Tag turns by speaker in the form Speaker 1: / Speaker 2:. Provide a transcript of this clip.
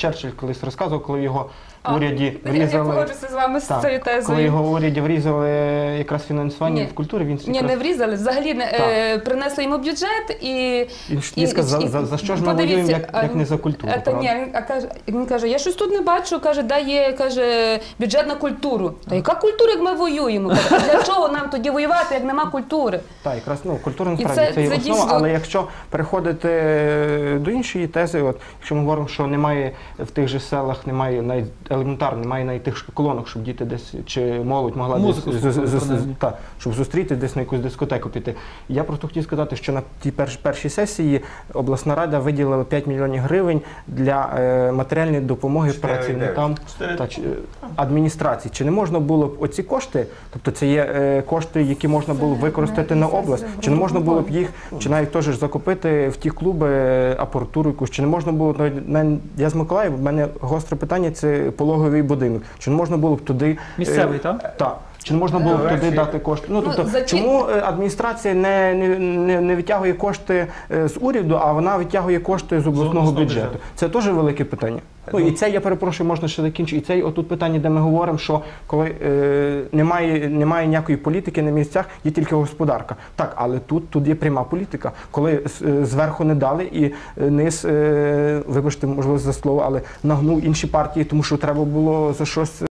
Speaker 1: Черчилль колись розказував, коли його в уряді
Speaker 2: Я
Speaker 1: врізали...
Speaker 2: погоджуся з вами з цією тезою.
Speaker 1: Коли його в уряді врізали якраз фінансування в культурі, він
Speaker 2: Ні, не врізали, взагалі принесли йому бюджет і...
Speaker 1: Він сказав, за що ж ми воюємо, як не за культуру,
Speaker 2: Він каже, я щось тут не бачу, каже, де є, каже, бюджет на культуру. Та яка культура, як ми воюємо? А для чого нам тоді воювати, як нема культури?
Speaker 1: Так, якраз, культура насправді це є основа, але якщо переходити до іншої тези, якщо ми говоримо, що немає в тих же селах, немає навіть елементарно, немає навіть тих колонок, щоб діти десь, чи молодь могла щоб зустріти десь на якусь дискотеку піти. Я просто хотів сказати, що на тій першій сесії обласна рада виділила 5 мільйонів гривень для матеріальної допомоги працівникам адміністрації. Чи не можна було б оці кошти, тобто це є кошти, які можна було б використати на область, чи не можна було б їх, чи навіть теж закупити в ті клуби апаратуру якусь, чи не можна було, я з Миколаєва, в мене гостре питання, це пологовий будинок, чи не можна було б туди...
Speaker 3: Місцевий, так?
Speaker 1: Так. Чи не можна було б туди дати кошти? Чому адміністрація не витягує кошти з уряду, а вона витягує кошти з обласного бюджету? Це теж велике питання. І це, я перепрошую, можна ще закінчити. І це отут питання, де ми говоримо, що коли немає ніякої політики на місцях, є тільки господарка. Так, але тут є пряма політика. Коли зверху не дали і низ, вибачте, можливо, за слово, але нагнув інші партії, тому що треба було за щось